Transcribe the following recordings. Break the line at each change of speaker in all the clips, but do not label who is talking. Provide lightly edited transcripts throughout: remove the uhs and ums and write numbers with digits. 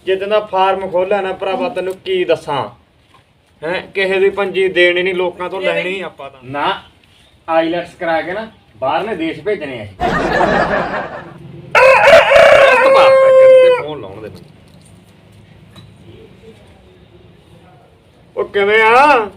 ਜਿੱਦਾਂ ਦਾ ਫਾਰਮ ਖੋਲਿਆ ਨਾ ਭਰਾਵਾ ਤੈਨੂੰ ਕੀ ਦੱਸਾਂ ਹੈ ਕਿਸੇ ਦੀ ਪੰਜੀ ਦੇਣੀ ਨਹੀਂ ਲੋਕਾਂ ਤੋਂ ਲੈਣੀ ਆਪਾਂ ਤਾਂ ਨਾ ਆਈਲੈਟਸ ਕਰਾ ਕੇ ਨਾ ਬਾਹਰਲੇ ਦੇਸ਼ ਭੇਜਣੇ ਆ ਫੋਨ ਲਾਉਣ ਦੇ ਉਹ ਕਿਵੇਂ ਆ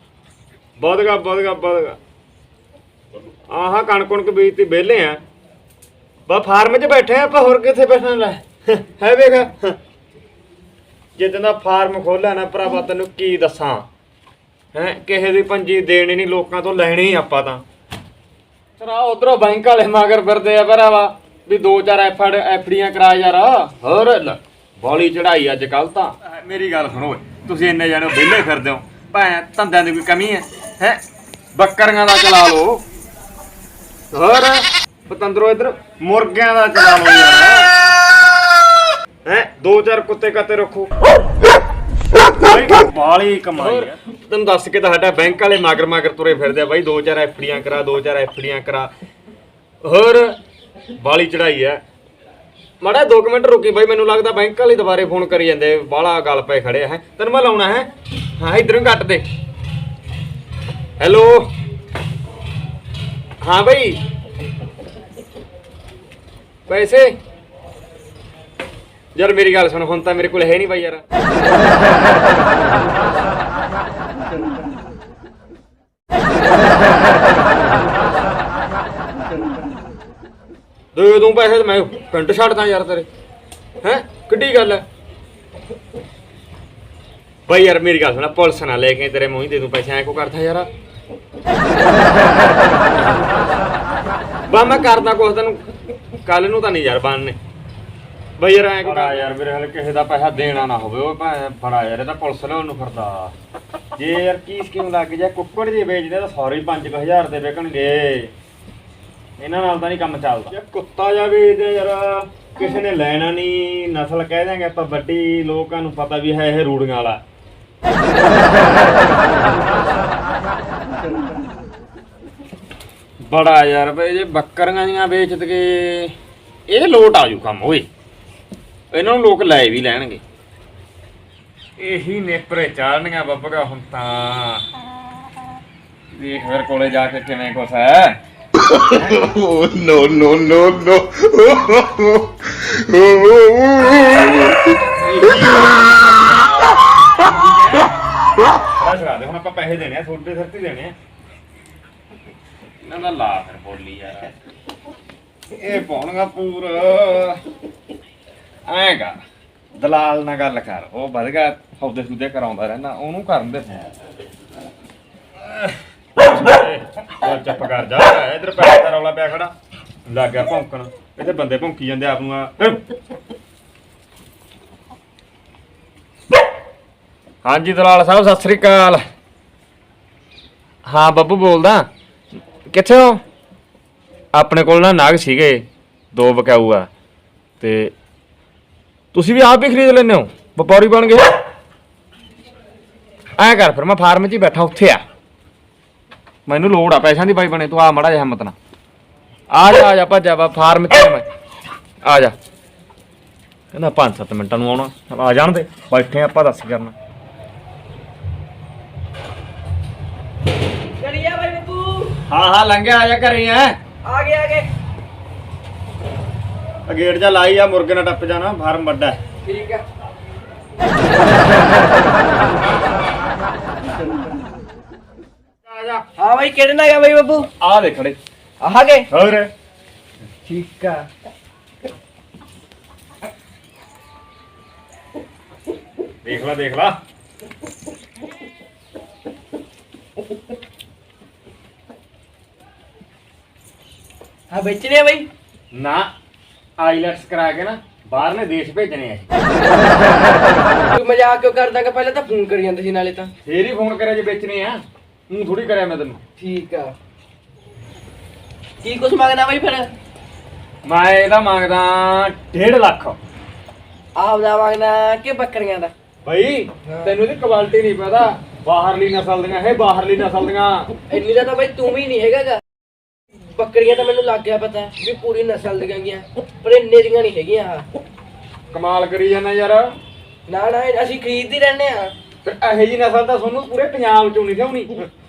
ਵਧਗਾ ਆਹ ਕਣਕ ਬੀਜਤੀ ਵਿਹਲੇ ਆ ਬਾ ਫਾਰਮ 'ਚ ਬੈਠੇ ਆਪਾਂ ਹੋਰ ਕਿੱਥੇ ਬੈਠਣ ਲੈ ਹੈ ਵੇਖ ਜਿੱਦਾਂ ਦਾ ਫਾਰਮ ਖੋਲਿਆ ਨਾ ਭਰਾਵਾ ਤੈਨੂੰ ਕੀ ਦੱਸਾਂ ਹੈ ਕਿਸੇ ਦੀ ਪੰਜੀ ਦੇਣੀ ਨਹੀਂ ਲੋਕਾਂ ਤੋਂ ਲੈਣੀ ਆਪਾਂ ਤਾਂ ਚਰਾ ਉਧਰੋਂ ਬੈਂਕ ਵਾਲੇ ਮਗਰ ਫਿਰਦੇ ਆ ਭਰਾਵਾ ਵੀ 2-4 ਐਫਡੀਆਂ ਕਰਾ ਯਾਰ ਹੋਰ ਬੋਲੀ ਚੜਾਈ ਅੱਜ ਕੱਲ ਤਾਂ ਮੇਰੀ ਗੱਲ ਸੁਣੋ ਤੁਸੀਂ ਇੰਨੇ ਜਾਣੇ ਵਿਹਲੇ ਫਿਰਦੇ ਹੋ ਭਾਵੇਂ ਧੰਦਿਆਂ ਦੀ ਕੋਈ ਕਮੀ ਹੈ ਬੱਕਰੀਆਂ ਦਾ ਚਲਾ ਲਓ ਹੋਰ ਪਤੰਦਰੋ ਇੱਧਰ ਮੁਰਗਿਆਂ ਦਾ ਚਲਾ ਲਓ ਯਾਰ ਹੈ 2-4 ਕੁੱਤੇ ਕਾਤੇ ਰੱਖੋ ਬਾਲੀ ਕਮਾਈ ਆ ਤੈਨੂੰ ਦੱਸ ਕੇ ਤਾਂ ਸਾਡਾ ਬੈਂਕ ਵਾਲੇ ਮਗਰ ਤੁਰੇ ਫਿਰਦੇ ਆ ਬਾਈ 2-4 ਐਫਡੀਆਂ ਕਰਾ ਹੋਰ ਬਾਲੀ ਚੜਾਈ ਆ ਮਾੜਾ 2 ਮਿੰਟ ਰੁਕੀ ਬਾਈ ਮੈਨੂੰ ਲੱਗਦਾ ਬੈਂਕ ਵਾਲੇ ਦੁਬਾਰੇ ਫੋਨ ਕਰੀ ਜਾਂਦੇ ਬਾਲਾ ਗੱਲ ਪਏ ਖੜੇ ਹੈ ਤੈਨੂੰ ਮੈਂ ਲਾਉਣਾ ਹੈ ਹਾਂ ਇਧਰੋਂ ਕੱਟ ਦੇ ਹੈਲੋ ਹਾਂ ਬਾਈ ਪੈਸੇ ਯਾਰ ਮੇਰੀ ਗੱਲ ਸੁਣ ਹੁਣ ਤਾਂ ਮੇਰੇ ਕੋਲ ਹੈ ਨਹੀਂ ਬਾਈ ਯਾਰ ਦੇ ਦੂੰ ਪੈਸੇ ਮੈਂ ਪਿੰਡ ਛੱਡਦਾ ਯਾਰ ਤੇਰੇ ਹੈ ਕਿੱਡੀ ਗੱਲ ਹੈ ਬਾਈ ਯਾਰ ਮੇਰੀ ਗੱਲ ਸੁਣ ਪੁਲਿਸ ਨਾ ਲੈ ਕੇ ਤੇਰੇ ਮੂੰਹ ਹੀ ਦੇ ਦੂੰ ਪੈਸੇ ਐ ਕੋ ਕਰਦਾ ਯਾਰ ਬਾ ਮੈਂ ਕਰਦਾ ਕੁਛ ਤੈਨੂੰ ਕੱਲ ਨੂੰ ਤਾਂ ਨਹੀਂ ਯਾਰ ਬਣਨੇ ਬਈ ਯਾਰ ਐ ਕਰਾ ਯਾਰ ਮੇਰੇ ਹਾਲੇ ਕਿਸੇ ਦਾ ਪੈਸਾ ਦੇਣਾ ਨਾ ਹੋਵੇ ਉਹ ਭਾਵੇਂ ਫੜਾ ਯਾਰ ਇਹ ਤਾਂ ਪੁਲਿਸ ਲਿਆਉਣ ਨੂੰ ਫਿਰਦਾ ਜੇ ਯਾਰ ਕੀ ਸਕੀਮ ਲੱਗ ਜਾ ਕੁੱਕੜ ਜੇ ਵੇਚਦੇ ਤਾਂ ਸਾਰੇ 5000 ਦੇ ਵਿਕਣਗੇ ਇਹਨਾਂ ਨਾਲ ਤਾਂ ਨਹੀਂ ਕੰਮ ਚੱਲਦਾ ਯਾਰ ਕੁੱਤਾ ਜਾ ਵੇਚਦੇ ਯਾਰ ਕਿਸੇ ਨੇ ਲੈਣਾ ਨਹੀਂ ਨਸਲ ਕਹਿ ਦਿਆਂਗੇ ਆਪਾਂ ਵੱਡੀ ਲੋਕਾਂ ਨੂੰ ਪਤਾ ਵੀ ਹੈ ਇਹ ਰੂੜੀਆਂ ਵਾਲਾ ਬੜਾ ਯਾਰ ਬਈ ਜੇ ਬੱਕਰੀਆਂ ਦੀਆਂ ਵੇਚ ਕੇ ਇਹ ਲੋਟ ਆਜੂ ਕੰਮ ਓਏ ਇਹਨਾਂ ਨੂੰ ਲੋਕ ਲੈ ਵੀ ਲੈਣਗੇ ਇਹੀ ਨੇਪਰੇ ਚਾੜਨੀਆਂ ਬੱਬਗਾ ਹੁਣ ਤਾਂ ਦੇਖ ਫਿਰ ਕੋਲੇ ਜਾ ਕੇ ਕਿਵੇਂ ਕੁਛ ਹੈ
no no no no
ਹੁਣ ਆਪਾਂ ਪੈਸੇ ਦੇਣੇ ਆ ਛੋਟੇ ਸਰਤੀ ਦੇਣੇ ਆ ਇਹਨਾਂ ਦਾ ਲਾ ਫਿਰ ਬੋਲੀ ਯਾਰ ਇਹ ਪਾਉਣਗਾ ਪੂਰਾ ਐਂ ਕਰ ਦਲਾਲ ਨਾਲ ਗੱਲ ਕਰ ਉਹ ਵਧ ਗਿਆ ਸੌਦੇ ਸੂਦੇ ਕਰਾਉਂਦਾ ਰਹਿਣਾ ਉਹਨੂੰ ਕਰਨ ਦੇ ਚੁੱਪ ਕਰ ਜਾ ਇਧਰ ਪੈਸੇ ਦਾ ਰੌਲਾ ਪਿਆ ਖੜਾ ਲੱਗ ਗਿਆ ਭੌਂਕਣ ਇੱਥੇ ਬੰਦੇ ਭੌਂਕੀ ਜਾਂਦੇ ਆਪ ਨੂੰ ਆ ਹਾਂਜੀ ਦਲਾਲ ਸਾਹਿਬ ਸਤਿ ਸ੍ਰੀ ਅਕਾਲ ਹਾਂ ਬੱਬੂ ਬੋਲਦਾ ਕਿੱਥੇ ਹੋ ਆਪਣੇ ਕੋਲ ਨਾ ਨਾਗ ਸੀਗੇ 2 ਵਿਕਾਊ ਆ ਤੇ ਤੁਸੀਂ ਵੀ ਆਪ ਹੀ ਖਰੀਦ ਲੈਂਦੇ ਹੋ ਵਪਾਰੀ ਬਣ ਗਏ ਐਂ ਕਰ ਫਿਰ ਮੈਂ ਫਾਰਮ 'ਚ ਹੀ ਬੈਠਾ ਉੱਥੇ ਆ ਮੈਨੂੰ ਲੋੜ ਆ ਪੈਸਿਆਂ ਦੀ ਬਾਈ ਬਣੇ ਤੂੰ ਆ ਮਾੜਾ ਜਿਹਾ ਹਿੰਮਤ ਨਾ ਆ ਜਾ ਭੱਜਾ ਵਾ ਫਾਰਮ 'ਚ ਮੈਂ ਆ ਜਾ ਕਹਿੰਦਾ 5-7 ਮਿੰਟਾਂ ਨੂੰ ਆਉਣਾ ਆ ਜਾਣ ਦੇ ਬੈਠੇ ਆਪਾਂ ਦੱਸ ਕਰਨਾ
ਕਰੀਆ ਬਾਈ ਬੱਬੂ
ਹਾਂ ਲੰਘਿਆ ਆ ਜਾ ਘਰੇ ਆ
ਗਏ
ਗੇਟ ਜਾ ਲਾਈ ਆ ਮੁਰਗੇ ਨਾਲ ਟੱਪ ਜਾਣਾ ਫਾਰਮ ਵੱਡਾ
ਠੀਕ ਆ
ਆ ਜਾ
ਹਾਂ ਬਾਈ ਕਿਹੜੇ ਨਾਲ ਗਿਆ ਬਾਈ ਬੱਬੂ
ਆ ਦੇ ਖੜੇ
ਆ ਗਏ
ਹੋਰ
ਠੀਕ ਆ
ਦੇਖ ਲਾ
ਹਾਂ ਵੇਚਣੇ ਆ ਬਾਈ
ਨਾ ਆਈਲੈਟਸ ਕਰਾ ਕੇ ਨਾ ਬਾਹਰਲੇ ਦੇਸ਼ ਭੇਜਣੇ ਆ
ਤੂੰ ਮਜ਼ਾਕ ਕਿਉਂ ਕਰਦਾ ਕਿ ਪਹਿਲਾਂ ਤਾਂ ਫੋਨ ਕਰੀ ਜਾਂਦੇ ਸੀ ਨਾਲੇ ਤਾਂ
ਫੇਰ ਹੀ ਫੋਨ ਕਰਿਆ ਜੇ ਵੇਚਣੇ ਆ ਤੂੰ ਥੋੜੀ ਕਰਿਆ ਮੈਂ ਤੈਨੂੰ
ਠੀਕ ਆ ਕੀ ਕੁਛ ਮੰਗਦਾ ਬਾਈ ਫਿਰ
ਮੈਂ ਇਹਦਾ ਮੰਗਦਾ 1.5 ਲੱਖ
ਆਪਦਾ ਮੰਗਦਾ ਕਿ ਬੱਕਰੀਆਂ ਦਾ
ਭਾਈ ਤੈਨੂੰ ਇਹਦੀ ਕੁਆਲਿਟੀ ਨਹੀਂ ਪਤਾ ਬਾਹਰਲੀ ਨਸਲ ਦੀਆਂ ਇਹ ਬਾਹਰਲੀ ਨਸਲ ਦੀਆਂ
ਇੰਨੀ ਦਾ ਤਾਂ ਬਾਈ ਤੂੰ ਵੀ ਨਹੀਂ ਹੈਗਾ ਬੱਕਰੀਆਂ ਤਾਂ ਮੈਨੂੰ ਲੱਗ ਗਿਆ ਪਤਾ ਵੀ ਪੂਰੀ ਨਸਲ ਦੀਆਂ ਗਈਆਂ ਪਰ ਇੰਨੇ ਦੀਆਂ ਨਹੀਂ ਹੈਗੀਆਂ ਆਹ
ਕਮਾਲ ਕਰੀ ਜਾਂਦਾ ਯਾਰ
ਨਾ ਨਾ ਅਸੀਂ ਖਰੀਦਦੇ ਰਹਿੰਦੇ ਆ।
ਫਿਰ ਇਹੋ ਜੀ ਨਸਲ ਤਾਂ ਤੁਹਾਨੂੰ ਪੂਰੇ ਪੰਜਾਬ ਚੋਂ ਨਹੀਂ ਲਿਆਉਣੀ।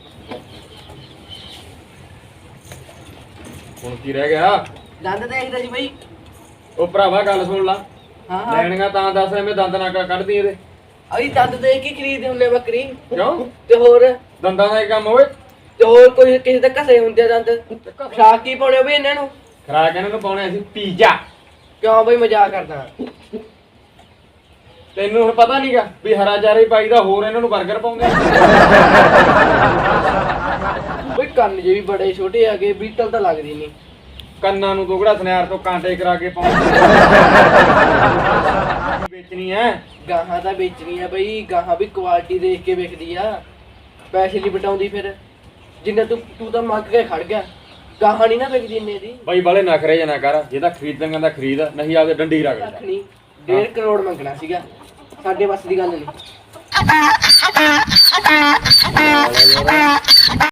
ਹੁਣ ਕੀ ਰਹਿ ਗਿਆ?
ਦੰਦ ਦੇਖਦਾ ਸੀ ਬਈ।
ਉਹ ਭਰਾਵਾ ਗੱਲ ਸੁਣ ਲਾ,
ਹਾਂ
ਲੈਣੀਆਂ ਤਾਂ ਦੱਸ ਐਵੇਂ ਦੰਦ ਨਾ ਕੱਢਦੀ ਇਹਦੇ।
ਅਸੀਂ ਦੰਦ ਦੇਖ ਕੇ ਖਰੀਦਦੇ ਹੁੰਦੇ ਬੱਕਰੀ।
ਕਿਉਂ?
ਤੇ ਹੋਰ
ਦੰਦਾਂ ਦਾ ਹੀ ਕੰਮ ਹੋਵੇ।
ਤੇ ਹੋਰ ਕੋਈ ਕਿਸੇ ਦੇ ਘਸੇ ਹੁੰਦੇ ਆ ਦੰਦ। ਖਰਾਕ ਕੀ ਪਾਉਣੇ ਵੀ ਇਹਨਾਂ ਨੂੰ?
ਖਰਾਕ ਇਹਨਾਂ ਨੂੰ ਪਾਉਣੇ ਅਸੀਂ ਪੀਜ਼ਾ।
ਕਿਉਂ ਬਈ ਮਜ਼ਾਕ ਕਰਦਾ?
ਤੈਨੂੰ ਹੁਣ ਪਤਾ ਨਹੀਂਗਾ ਵੀ ਹਰਾ ਚਾਰਾ ਹੀ ਪਾਈਦਾ, ਹੋਰ ਇਹਨਾਂ ਨੂੰ 버ਗਰ ਪਾਉਂਦੇ।
ਬਈ ਕੰਨ ਜੇ ਵੀ ਬੜੇ ਛੋਟੇ ਹੈਗੇ, ਬੀਟਲ ਤਾਂ ਲੱਗਦੀ ਨਹੀਂ।
ਕੰਨਾਂ ਨੂੰ ਦੋਗੜਾ ਸੁਨਿਆਰ ਤੋਂ ਕਾਂਟੇ ਕਰਾ ਕੇ ਪਾਉਂਦੇ। ਵੇਚਣੀ ਐ।
ਗਾਹਾਂ ਤਾਂ ਵੇਚਣੀ ਆ ਬਈ, ਗਾਹਾਂ ਵੀ ਕੁਆਲਿਟੀ ਦੇਖ ਕੇ ਵਿਕਦੀ ਆ, ਪੈਸੇ ਲਈ ਬਟਾਉਂਦੀ। ਫਿਰ ਜਿੰਨਾ ਤੂੰ ਤਾਂ ਮੰਗ ਕੇ ਖੜ ਗਿਆ, ਗਾਹਾਂ ਨਹੀਂ ਨਾ ਵਿਕਦੀ ਇੰਨੇ ਦੀ।
ਬਾਈ ਬਾਲੇ ਨਖਰੇ ਜਾਂ ਨਾ ਕਰ, ਜੇ ਤਾਂ ਖਰੀਦਣਗਾ ਤਾਂ ਖਰੀਦ, ਨਹੀਂ ਆਪਦੇ ਡੰਡੀ ਰੱਖ
ਲੱਖ ਨਹੀਂ, 1.5 ਕਰੋੜ ਮੰਗਣਾ ਸੀਗਾ, ਸਾਡੇ ਵੱਸ ਦੀ ਗੱਲ ਨਹੀਂ।